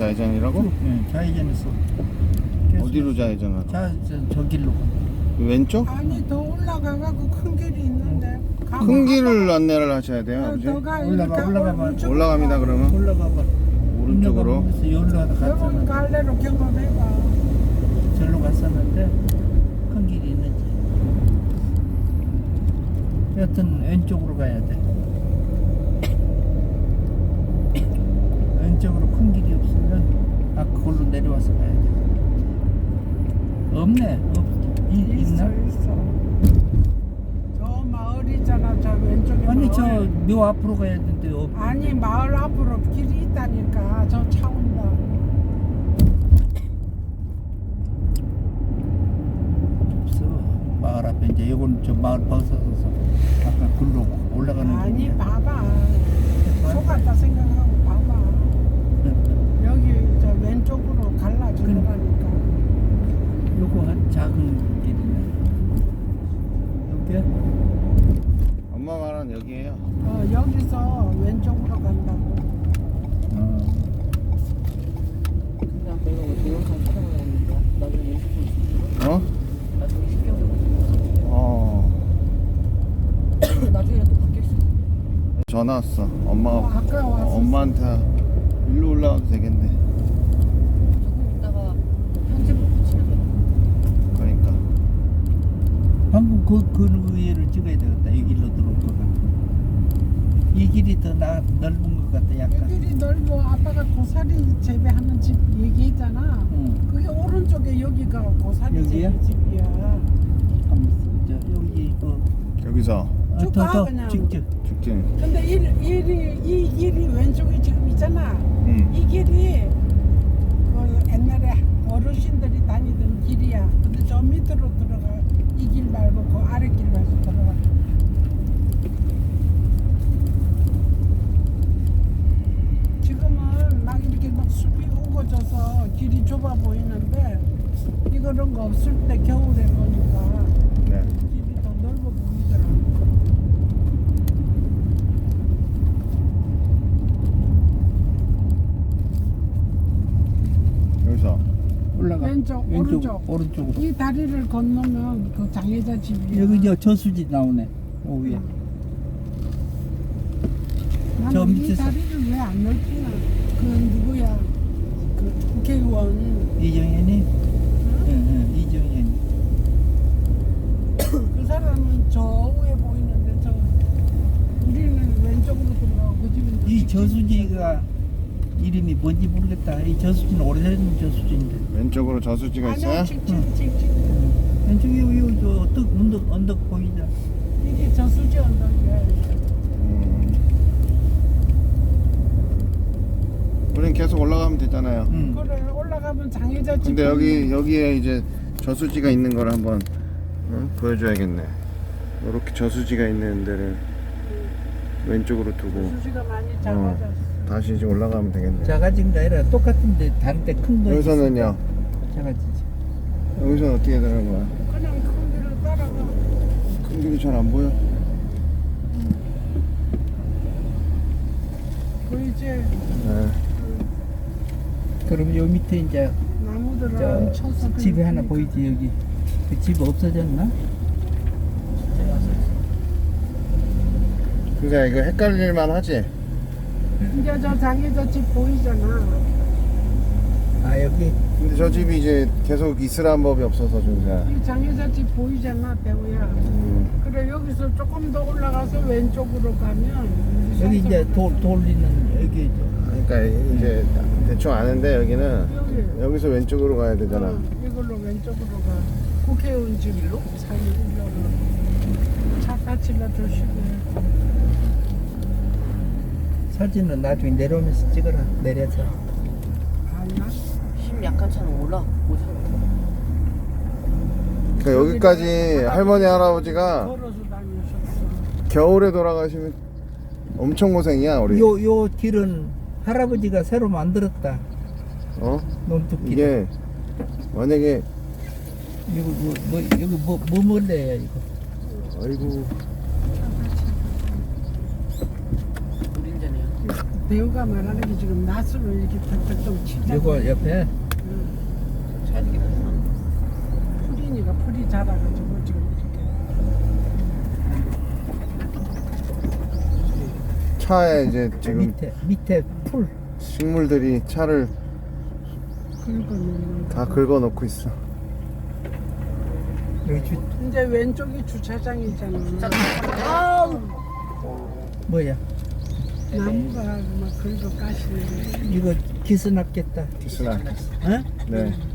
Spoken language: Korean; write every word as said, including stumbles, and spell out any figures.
좌회전이라고? 네, 좌회전했어. 어디로 좌회전하라? 자, 저, 저 길로. 왼쪽? 아니 더 올라가가고 큰 길이 있는데. 가봐. 큰 길을 안내를 하셔야 돼요, 어, 아버지. 너가 올라가, 이렇게 올라가 봐. 오른쪽으로 올라갑니다, 가. 그러면. 올라가 봐. 오른쪽으로. 여기로 여러분 갔잖아. 갈래로 경험해봐. 절로 갔었는데 큰 길이 있는지. 여튼 왼쪽으로 가야 돼. 왼쪽으로 큰 길이 없으면 아 그걸로 내려와서 가야 돼. 없네. 없. 이, 있어 있나? 있어. 저 마을이잖아. 저 왼쪽에 아니 저 마을. 묘 앞으로 가야 되는데 없. 아니 마을 앞으로 길이 있다니까. 저 차 온다. 없어. 마을 앞에 이제 요건 저 마을 벗어서 아까 글로 올라가는 아니 길이야. 봐봐. 속았다 생각하고 봐봐. 여기 저 왼쪽으로 갈라지더라니까. 요거 한 작은 길이네. 여기? 엄마 말은 여기에요. 어 여기서 왼쪽으로 간다고. 어. 그냥 내가 왜 동영상 촬영을 했는데 나중에 시켜 어? 나중에 시켜 어. 나중에 또 바뀔 수 있어. 전화 왔어. 어, 엄마가 아까 왔었어. 엄마한테 일로 올라와도 되겠네. 조금 있다가 편집을 붙이면 돼. 그러니까. 방금 그, 그 위에를 찍어야 되겠다. 이 길로 들어올 거면. 이 길이 더 나, 넓은 것 같다, 약간. 여기 넓어. 아빠가 고사리 재배하는 집 얘기했잖아. 응. 그게 오른쪽에 여기가 고사리 여기야? 재배 집이야. 가만있어. 저, 여기, 그, 여기서 어, 쭉 더, 가, 더, 그냥. 직접. 직진. 근데 이, 이, 이 길이 왼쪽에 지금 있잖아. 응. 이 길이 그 옛날에 어르신들이 다니던 길이야. 근데 저 밑으로 들어가. 이 길 말고 그 아래 길로 해서 들어가. 지금은 막 이렇게 막 숲이 우거져서 길이 좁아 보이는데 이거는 거 없을 때 겨울에 보니까 네. 길이 더 넓어 보이더라고. 여기서. 올라가. 왼쪽, 오른쪽. 오른쪽으로. 이 다리를 건너면 그 장애자 집이야. 여기 저 저수지 나오네. 요 위에. 저 나는 이 밑에서- 다리를 왜 안 넓히나? 그 누구야? 그 국회의원. 이정현이? 응? 응, 응, 이정현이. 그 사람은 저 위에 보이는데 저 우리는 왼쪽으로 들어가고 그 집은 또 이 직진. 저수지가 이름이 뭔지 모르겠다. 이 저수지는 오래된 저수지인데. 왼쪽으로 저수지가 있어요? 아니야 직진 응. 직진. 왼쪽에 여기 여기 저 언덕 언덕 언덕 보이자. 이게 저수지 언덕이야. 음. 우린 계속 올라가면 되잖아요. 응. 그래 올라가면 장애자 집. 근데 여기 보이는데 여기에 이제 저수지가 있는 걸 한번 어? 보여줘야겠네. 이렇게 저수지가 있는 데를 왼쪽으로 두고 저수지가 많이 작아졌어. 다시 이제 올라가면 되겠네. 작아진 게 아니라 똑같은데 다른 데 큰 거. 여기서는요? 작아지지. 여기서는 어떻게 되는 거야? 그냥 큰 길을 따라가. 큰 길이 잘 안 보여? 보이지? 네. 그럼 요 밑에 이제 나무들을 저 얹혀서 집이 그냥 하나 그러니까. 보이지 여기. 그 집 없어졌나? 그러니까 이거 헷갈릴만 하지? 이제 저 장애자 집 보이잖아. 아 여기. 근데 저 집이 이제 계속 있으란 법이 없어서 준수야. 이 장애자 집 보이잖아, 배우야. 음. 그래 여기서 조금 더 올라가서 왼쪽으로 가면 여기 이제 돌 돌리는 여기 그러니까 이제 대충 아는데 여기는 여기 여기서 왼쪽으로 가야 되잖아. 어, 이걸로 왼쪽으로 가. 국회의원 집으로 살려고 차 다치려 조심해. 사진은 나중에 내려오면서 찍어라. 내려서. 아나 힘 약한 차는 올라 못 사. 그러니까 여기까지 할머니 할아버지가 걸어서 다니셨어. 겨울에 돌아가시면 엄청 고생이야 우리. 요 요 길은 할아버지가 새로 만들었다. 어? 논뚝길. 이게 만약에 이거 뭐, 뭐 여기 뭐 뭐 먹을래요 이거? 아이고 우린자네요. 배우가 말하는 게 지금 낫으로 이렇게 턱턱턱 치자. 이거 옆에 풀이니까 풀이 자라가지고 지금 이렇게. 차에 이제 지금 밑에 밑에 풀. 식물들이 차를 긁어놓는 다 거. 긁어놓고 있어. 여기 주, 이제 왼쪽이 주차장이잖아. 뭐야? 나무가 막 긁어 까시는 이거 기스 났겠다. 기스나. 어? 네.